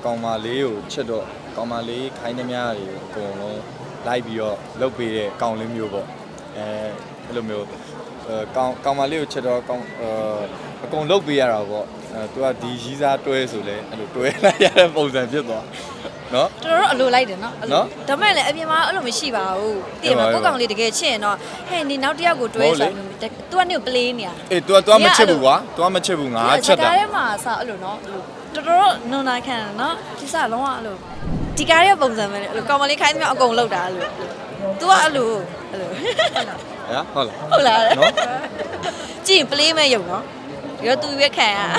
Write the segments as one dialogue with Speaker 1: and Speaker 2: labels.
Speaker 1: ကောင်မလေးကိုချစ်တော့ကောင်မလေးခိုင်းသမျှတွေအကုန်လုံးလိုက်ပြီးတော့လုတ်ပေးတဲ့ကောင်လေးမျိုးပေါ့အဲ့လိုမျိုးကောင်မလေးကိုချစ်တော့အကုန်လုတ်ပေးရတာပေါ့သူကဒီရီးစားတွဲဆိုလဲအဲ့လိုတွဲလိုက်ရတဲ့ပုံစံဖြစ်သွားနော်
Speaker 2: တော်တော်အလိုလိုက်တယ်နော်ဒါမဲ့လည်းအပြင်မှာအဲ့လိုမရှိပါဘူးတည်မှာကိုကောင်လေးတကယ်ချစ်ရင်တော့ဟဲ့နေနောက်တစ်ယောက်ကိုတွဲဆိုရင် तू ကနေပလေးနေရ
Speaker 1: အေး तू မချစ်ဘူးကွာ तू မချစ်ဘူးငါချက်တာ
Speaker 2: ဒီကားထဲမှာစအဲ့လိုနော်တော်တော်နွန်နာခံနော်ဒီစလုံးဝအဲ့လိုဒီကားရဲ့ပုံစံပဲအဲ့လိုကောင်မလေးခိုင်းသမျှအကုန်လောက်တာအဲ့လို तू ကအဲ့လို
Speaker 1: ဟုတ်လား
Speaker 2: နော်ကြည့်ရင်ပလေးမဲ့ယုံနော်ရော तू ရွက်ခံရ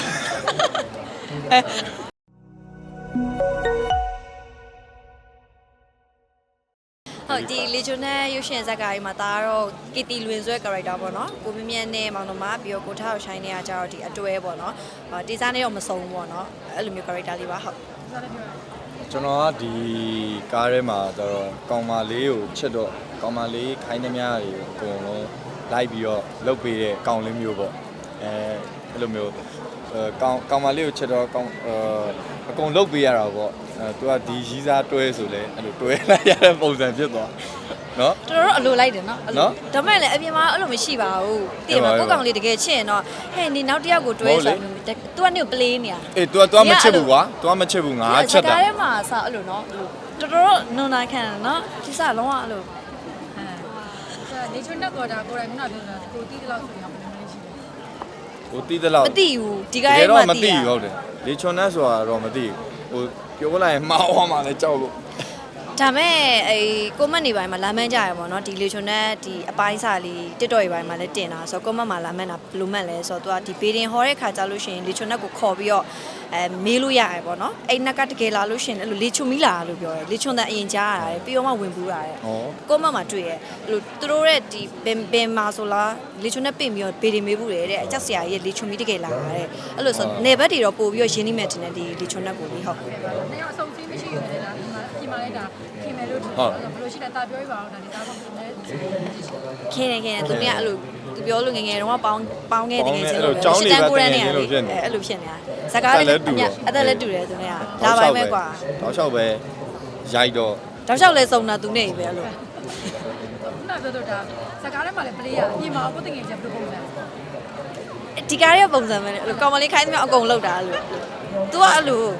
Speaker 2: ဟုတ်ဒီလီဂျိုနယ်ရုပ်ရှင်ဇာတ်ကားကြီးမှာဒါကတော့ကီတီလွင်ဆွဲ character ပေါ့နော်ကိုမြင့်နဲ့မောင်နှမပြီးတော့ကိုထားကိုရှိုင်းနေရကြတော့ဒီအတွဲပေါ့နော်ဒီစားနဲ့တော့မစုံဘူးပေါ့နော်အဲ့လိုမျိုး character လေးပါဟုတ်
Speaker 1: ကျွန်တော်ကဒီကားထဲမှာကျတော့ကောင်မလေးကိုချစ်တော့ကောင်မလေးခိုင်းသမျှတွေအကုန်လုံးလိုက်ပြီးတော့လုတ်ပေးတဲ့ကောင်လေးမျိုးပေါ့အဲ့လိုမျိုးကောင်မလေးကိုချစ်တော့အကုန်လုတ်ပေးရတာပေါ့သူကဒီရီးစားတွဲဆိုလဲအဲ့လိုတွဲလိုက်ရတဲ့ပုံစံဖြစ်သွားနော်
Speaker 2: တော်တော်အလိုလိုက်တယ်နော်ဒါမဲ့လည်းအပြင်မှာအဲ့လိုမရှိပါဘူးတည်မှာကိုကောင်လေးတကယ်ချစ်ရင်တော့ဟဲ့နေနောက်တစ်ယောက်ကိုတွဲဆိုရင် तू ကနေပလေးနေရ
Speaker 1: အေး तू မချစ်ဘူးကွာ तू မချစ်ဘူးငါချက်တာ
Speaker 2: ကားထဲမှာစအဲ့လိုနော်တော်တော်နွန်နာခံနော်ဒီစလုံးဝအဲ့လို
Speaker 3: နေချွန်းနဲ့ကော်တာကိုယ်တိုင်ခုနပြောတာကိုတီးတလောက်ဆိုရင်ဘယ်လိုလဲရှိလဲ
Speaker 1: ကိုတီးတလောက်
Speaker 2: မသိဘူးဒီကားထဲမှာ
Speaker 1: မသိဘူးဟုတ်တယ်လေချွန်နဲ့ဆိုတာတော့မသိဘူးဟိုပြောလိုက်ရင်မှားသွားမှလည်းကြောက်လို့
Speaker 2: ဒါမဲ့ကိုမတ်နေပိုင်းမှာလာမန်းကြရပေါ့နော်ဒီလေချွန်နဲ့ဒီအပိုင်းစာလေး TikTok ရေးပိုင်းမှာလည်းတင်တာဆိုတော့ကိုမတ်မှာလာမန်းတာဘယ်လိုမှတ်လဲဆိုတော့သူကဒီဘေးတင်ဟောတဲ့ခါကြလို့ရှိရင်လေချွန်နဲ့ကိုခေါ်ပြီးတော့မေးလို့ရရပေါ့နော်အဲ့နက်ကတကယ်လာလို့ရှိရင်အဲ့လိုလေချွန်မီလာလို့ပြောတယ်လေချွန်တဲ့အရင်ကြားရတယ်ပြီးတော့မှဝင်ပူးရတယ်ကိုမတ်မှာတွေ့ရအဲ့လိုသူတို့ရဲ့ဒီဘင်မာဆိုလားလေချွန်နဲ့ပြင်ပြီးတော့ဘေးတင်မေးဘူးတယ်တဲ့အကြောက်စရာရဲ့လေချွန်မီတကယ်လာရတယ်အဲ့လိုဆိုနေဘက်တွေတော့ပို့ပြီးတော့ရင်းနှီးမဲ့တင်တဲ့ဒီလေချွန်နဲ့ကိုလေးဟုတ်
Speaker 3: နေအောင်အဆုံးစီးမရှိဘူးလေဒါဒီမှာလည်းဒါခင်မယ်လို့ဘယ်လိုရှိလဲတာပြောပြပါအောင်ဒါဒီသားပေါ့လည်း
Speaker 2: ခင်နေသူကအဲ့လိုသူပြောလို့ငယ်တော့ပေါင်းခဲ့တကယ်ချင်းလို့
Speaker 1: ရှစ်တန်းကိုရနေရတယ်
Speaker 2: အဲ့လိုဖြစ်နေတာဇကားလေးအသက်လည်းတူတယ်သူနဲ့ကလာပိုင်းပဲကွာ
Speaker 1: တောက်လျှောက်ပဲရိုက်တော့
Speaker 2: တောက်လျှောက်လဲစုံတာသူနဲ့ပဲအဲ့လို
Speaker 3: ခုနပြောတော့ဒါဇကားထဲမှာလည်းပလေးရအပြင်မှာကိုတငယ်ချင်းဘယ်လိုပုံစံ
Speaker 2: ဒီကားရဲ့ပုံစံပဲအဲ့လိုကောင်မလေးခိုင်းသမျှအကုန်လောက်တာအဲ့လို तू ကအဲ့လို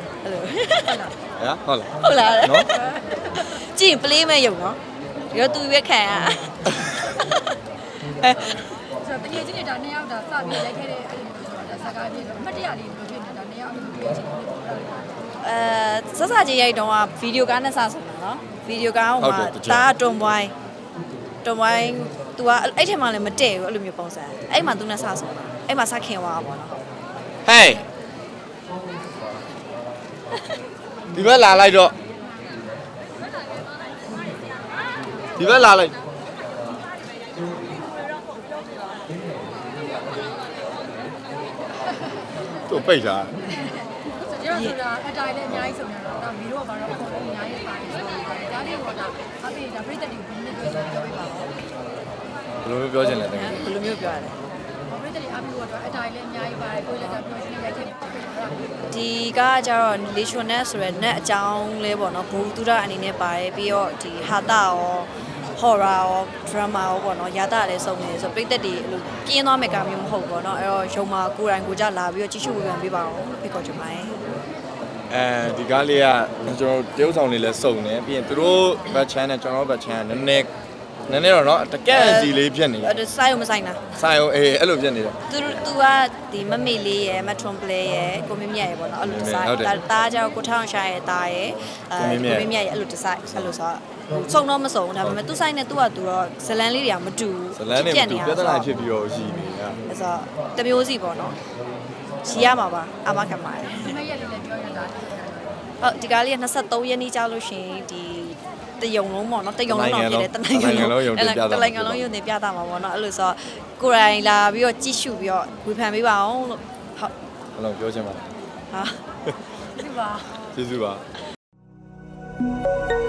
Speaker 1: ဟုတ်လား
Speaker 2: နော်ကြည့်ရင်ပလေးမဲ့ယုံနော်ရော तू ရွက်ခံရ
Speaker 3: ဆိုတော့တကယ်ချင်းနေတာနှစ်ယောက်ဒါစပြီးရိုက်ခဲ့တဲ့အဲ့လိုမျိုးဆိုတော့ဒါဇကားပြေတော့အမှတ်တရလေးဘယ်လိုဖြစ်နေတာနှစ်ယောက်အဲ့လိုတွေ့ချင်းလေးပေါ့
Speaker 2: စစချင်းရိုက်တော့ကဗီဒီယိုကားနဲ့စဆိုတာနော်ဗီဒီယိုကားဟိုမှာဒါတွန်ပွိုင်း तू ကအဲ့ထက်မှလည်းမတည့်ဘူးအဲ့လိုမျိုးပုံစံအဲ့မှာ तू နဲ့စဆိုတာအဲ့မှာစခင်သွားတာပေါ့နော်
Speaker 1: ဟေးဒီဘက်လာလိုက်တော့ဒီဘက်လာလိုက်တို့ပိတ်တာ
Speaker 3: ကျွန်တော်ဆိုတာအတိုင်းလည်းအများကြီးစုံနေတာတော့မီတော့ဘာတော့ပုံလုံးအများကြီးပါတယ်ဆိုတော့ဒါလေးကတော့အဖေဒါပြိတ္တတွေဘယ်နည်းတွေ့ဆိုပြောပြပါဦး
Speaker 1: ဘယ်လိုပြောချင်လဲတကယ်
Speaker 2: ဘယ်လိုမျိုးပြောရလဲ
Speaker 3: ပြိတ္တတွေအဖေကတော့အတိုင်းလည်းအများကြီးပါတယ်ကိုလည်းဒါပြောရှင်းရိုက်ခဲ့တယ်
Speaker 2: ဒီကကြတော့လေချွန်နဲ့ဆိုရယ်နဲ့အကြောင်းလဲပေါ့နော်ဘူတူတာအနေနဲ့ပါတယ်ပြီးတော့ဒီဟာတာရောဟော်ရာရောဒရမာရောပေါ့နော်ရာတာလည်းစုံနေဆိုပြိတ္တတွေအဲ့လိုပြင်းသွားမယ့်ကမျိုးမဟုတ်ပေါ့နော်အဲ့တော့ရုံမှာကိုယ်တိုင်ကိုကြလာပြီးတော့ကြည့်ရှုဝေဖန်ပေးပါအောင်ဖိတ်ခေါ်ချင်ပါတယ်
Speaker 1: ဒီကားလေးကကျွန်တော်တရုပ်ဆောင်လေးလည်းစုံနေပြီးရင်သူတို့ဘတ်ချန်နဲ့ကျွန်တော်ဘတ်ချန်ကနည်းနည်းတော့เนาะတကက်စီလေးဖြစ်နေ
Speaker 2: တယ်စိုက်ရုံမဆိုင်တာ
Speaker 1: စိုက်ရုံအဲ့လိုဖြစ်နေတယ်
Speaker 2: သူကဒီမမေလေးရယ်မထွန်ပလေရယ်ကိုမင်းမြတ်ရယ်ပေါ့နော်အဲ့လိုစိုက်တာကြောင့်ကိုထောင်ရှာရယ်တာရယ်ကိုမင်းမြတ်ရယ်အဲ့လိုစိုက်အဲ့လိုဆိုစုံတော့မစုံဒါပေမဲ့သူဆိုင်နဲ့သူကသူတော့ဇလန်းလေးတွေကမတူ
Speaker 1: ဇလန်းတွေမတူပြဿနာဖြစ်ပြီးတော့ရှိနေတာ
Speaker 2: အဲ့ဆိုတမျိုးစီပေါ့နော်ရှိရမှာပါအမခံပါတယ်
Speaker 3: ဒီမဲ့ရက်လေးလည်းပြောရတာ
Speaker 2: ဟုတ်ဒီကားလေးက23ရက်နေ့ကြာလို့ရှိရင်ဒီတယုံလုံးပေါ့နော်တယုံလုံးတော့ဖြစ်တယ်တနိုင်ငံလုံးရုံတင်ပြတာမှာပေါ့နော်အဲ့လိုဆိုကိုယ်တိုင်လာပြီးတော့ကြည့်ရှုပြီးတော့ဝေဖန်ပေးပါအောင်လို့
Speaker 1: ဟုတ်ဘယ်လိုပြောချင်ပါလဲ
Speaker 2: ဟာ
Speaker 3: ကျေးဇူးပါ
Speaker 1: ကျေးဇူးပါ